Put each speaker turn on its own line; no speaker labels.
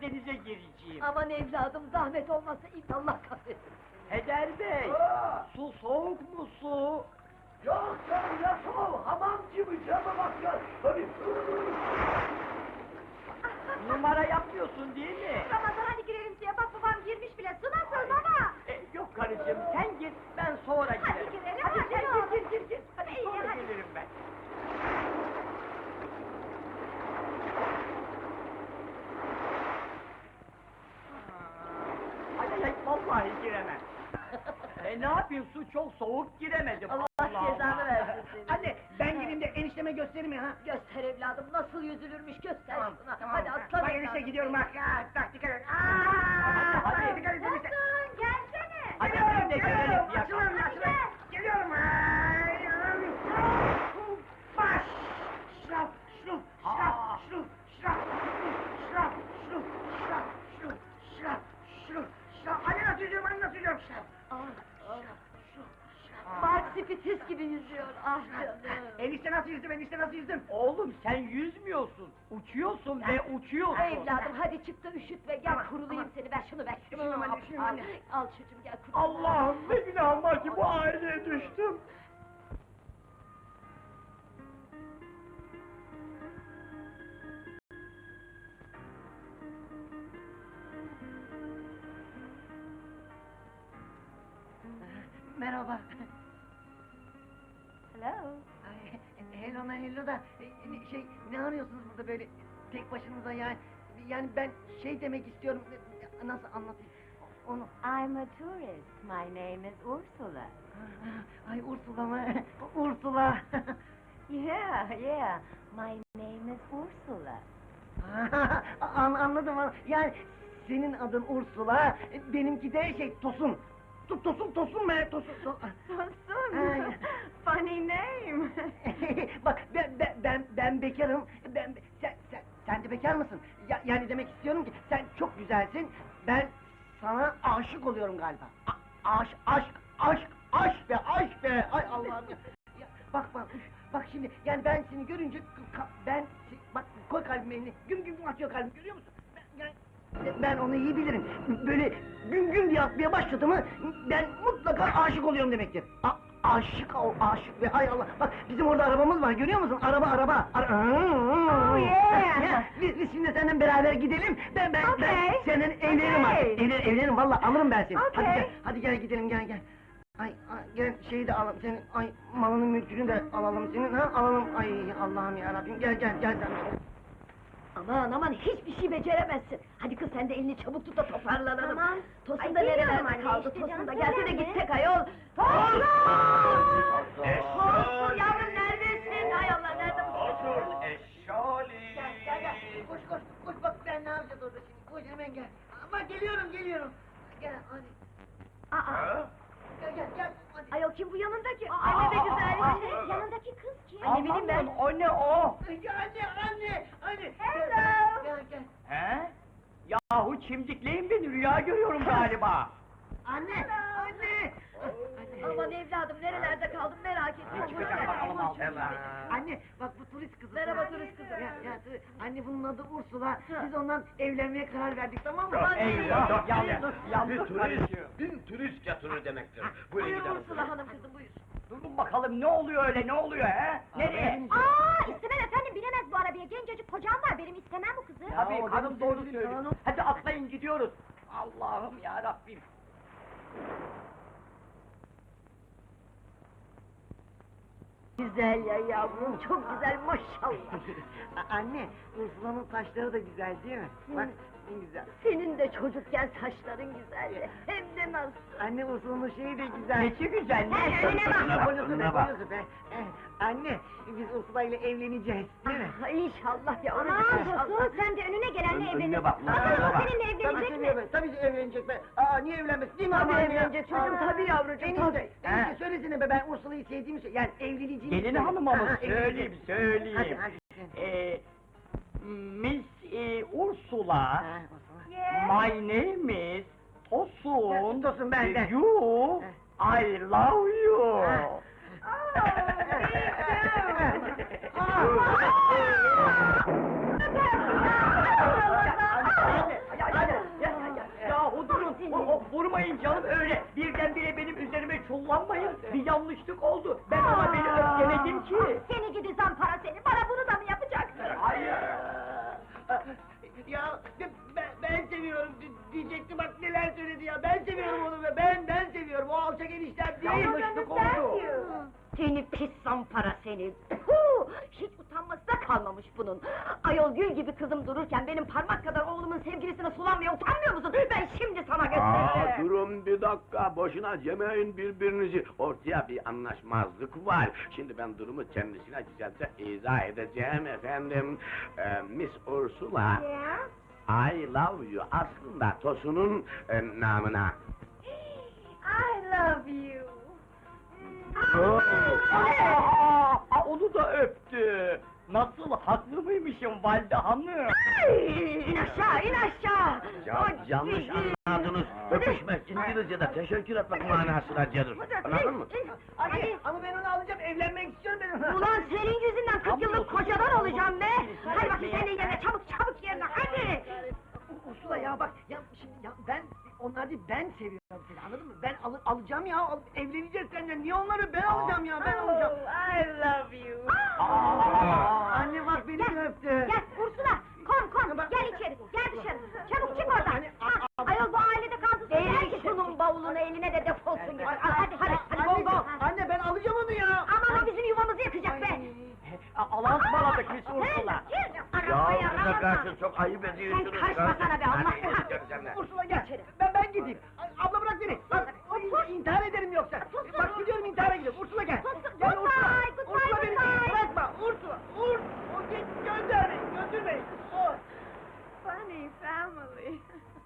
denize gireceğim.
Aman evladım, zahmet olmasa Allah kahretsin.
Heder Bey, su soğuk mu su?
Yok canım ya soğuk, hamam gibi cama bak ya. Tabii.
Numara yapmıyorsun değil mi?
Ramazan hadi girelim suya, bak babam girmiş bile, su nasıl baba?
Yok karıcığım, sen git, ben sonra girerim.
Hadi girelim,
Hadi
hadi
sen
ne olur.
gir. Hadi
İyi,
sonra
hadi.
gelirim ben. Ay, vallahi giremem. Ne yapayım, su çok soğuk, giremedim.
Allah cezanı versin seni.
Anne ben gireyim de enişteme göstereyim ya ha.
Göster evladım, nasıl yüzülürmüş göster
Tamam,
şuna.
tamam.
Hadi aslan
Bak
evladım.
enişte gidiyorum bak. Bak dikkat et.
Hadi.
Dikkat et enişte.
Tosun, gelsene.
Hadi
Geliyorum,
biz de
geliyorum.
gelelim ya.
Açılın,
Hadi
açılın.
gel.
Geliyorum. Baş. Şraf, şruf, şraf, şruf, şraf, şraf, şruf, şraf, şruf, şraf, şruf, şraf. Anne nasıl yüzüyorum, anne nasıl yüzüyorum? Şraf.
Mark Spitis gibi yüzüyor, ah canım.
Enişte nasıl yüzdüm, enişte nasıl yüzdüm?
Oğlum sen yüzmüyorsun, uçuyorsun ve uçuyorsun.
Evladım hadi çık da üşütme, gel
Tamam,
kurulayım
tamam.
seni, ver şunu ver.
Üşümüyorum anne, üşümüyorum anne.
Al çocuğum gel kurulayım.
Allah'ım ne günahım var ki bu aileye düştüm.
Merhaba.
Hello.
Ay, hello da ne arıyorsunuz burada böyle tek başınıza yani? Yani ben şey demek istiyorum. Nasıl anlatayım? Onu.
I'm a tourist. My name is Ursula.
Ay Ursula mı? Ursula.
Yeah. My name is Ursula.
Anladım. Yani senin adın Ursula, benimki de Tosun. Tosun be, Tosun. Ay.
Funny name.
Bak ben bekarım. Sen de bekar mısın? Yani demek istiyorum ki sen çok güzelsin. Ben sana aşık oluyorum galiba. Aşk be. Ay Allah'ım ya. Bak şimdi yani ben seni görünce bak koy kalbime elini. Güm atıyor kalbim, görüyor musun? Ben onu iyi bilirim. Böyle güm diye atmaya başladı mı ben mutlaka aşık oluyorum demektir. Aşık ve hay Allah. Bak bizim orada arabamız var, görüyor musun? Araba.
Oh, yeah.
Biz şimdi seninle beraber gidelim. Ben
Okay.
senin evlenirim
Okay.
artık. Evlenirim vallahi, alırım ben seni.
Okay.
Hadi gel gidelim gel. Ay gel şeyi de alalım senin. Ay malını mülkünü de alalım senin ha. Alalım. Ay Allah'ım ya Rabbim. Gel sen.
Aman hiçbir şey beceremezsin. Hadi kız sen de elini çabuk tut da toparlanalım.
Tamam.
Tosun
Ay,
da
geliyorum
nerelerde
anne,
kaldı?
işte
Tosun
canım,
da gelsene
söyler mi?
gitsek ayol. Tosun! Tosun yavrum neredesin? Hay Allah nerede bu?
Otur eşşali.
Gel. Koş bak ben ne yapacağız orada şimdi? Koş hemen gel. Ama geliyorum. Gel hadi.
Aa,
Gel hadi.
ayol kim bu yanındaki? Ay ne de güzel.
Yanındaki kız kim?
Ay, ne bileyim ben.
Aman, o ne o?
Anne.
Hello.
Gel.
He? Yahu çimdikleyin beni, rüya görüyorum galiba.
Anne.
Aman evladım nerelerde kaldın merak etme.
Çıkacak bakalım altından.
Anne bak bu turist kızı.
Merhaba turist kızı.
Anne bunun adı Ursula. Biz ondan evlenmeye karar verdik, tamam mı?
Eyvah, yandık karıcığım.
Bin turist getirir demektir. Buyurun
Buyur
gidelim.
Ursula hanım kızım buyur.
Durun bakalım ne oluyor öyle, ne oluyor he? Nereye?
İstemem efendim, binemez bu arabaya. Gencecik kocam var, benim istemem bu kızı.
Tabii
o
hanım
benim
doğru
sevgilim,
söylüyor.
hanım.
Hadi atlayın gidiyoruz. Allah'ım ya Rabbim.
Güzel ya yavrum çok güzel maşallah.
Anne, Ursula'nın saçları da güzel değil mi? Bak ne güzel.
Senin de çocukken saçların güzeldi. Hem de nasıl.
Anne Ursula'nın şeyi de güzel.
Nesi güzel,
Sen
ne?
önüne bak.
Boynuzu be. Anne, biz Ursula ile evleneceğiz değil mi?
İnşallah ya.
Aman Tosun, sen de önüne gelenle evlenirsin.
bak,
Bakalım
bak.
o seninle evlenecek mi?
Tabii ki evlenecek be. Niye evlenmez? Değil mi
Tabii
anne ya?
evlenecek çocuğum, tabii yavrucuğum,
Enişte,
He.
söylesene be, ben Ursula'yı sevdiğimi söyle. Yani evleneceğimi
Gelin
söyle.
hanıma mı?
Aha,
Söyleyeyim,
evleneceğim.
söyleyeyim.
Hadi.
Miss Ursula,
Ha, Ursula.
my name is Tosun.
Tosun, ben.
You, I love you. vurmayın canım öyle. Birdenbire benim üzerime çullanmayın. Bir yanlışlık oldu. Ben ona beni öfkeledim ki.
Seni gidi zampara seni, bana bunu da mı yapacaksın?
Hayır.
Ya ben seviyorum diyecekti bak neler söyledi ya. Ben seviyorum onu ve ben seviyorum. O alçak eniştem değil.
Yanlışlık oldu.
Seni pis zampara seni! Puh! Hiç utanması da kalmamış bunun! Ayol gül gibi kızım dururken benim parmak kadar oğlumun sevgilisine sulanmaya utanmıyor musun? Ben şimdi sana göstereceğim!
Durun bir dakika, boşuna cemeyin birbirinizi. Ortaya bir anlaşmazlık var. Şimdi ben durumu kendisine güzelce izah edeceğim efendim. Miss Ursula, I love you aslında Tosun'un namına.
I love you.
Onu da öptü. Nasıl haklı mıymışım valide hanım?
İn aşağı, in aşağı!
Yanlış anladınız. Öpüşmek İngilizce'de teşekkür etmek manasına gelir. Anladın mı?
Hadi. Ama ben onu alacağım. Evlenmek istiyorum ben onunla.
Ulan senin yüzünden 40 yıllık kocadan olacağım be! Hadi bakayım sen de yerine, çabuk yerine, hadi!
Ursula ya bak ya şimdi ya ben onlar değil ben seviyorum seni anladın mı? Ben alacağım ya evleneceğiz seninle. Niye onları ben alacağım ya ben alacağım.
I love you.
Anne bak beni de öptü.
Gel Ursula, kom, gel içeri, gel dışarı. Çabuk çık oradan. Ayol bu ailede kaldı.
Ver şunun bavulunu eline de defolsun git! Hadi bol bol!
Anne ben alacağım onu ya.
Aman o bizim yuvamızı yakacak be!
Allah'a ısmarladık Miss Ursula.
Ya bize karşı çok ayıp ediyorsunuz.
Sen karışmasana be, Allah
Hadi,
Allah!
gel seninle.
Ursula gel. Ben gideyim. Abla bırak beni. İntihar ederim yoksa. Bak gidiyorum intihara gidiyorum. Ursula gel. Gel Ursula. Ursula beni bırakma. Ursula. Gönder beni. Götür beni.
Funny family.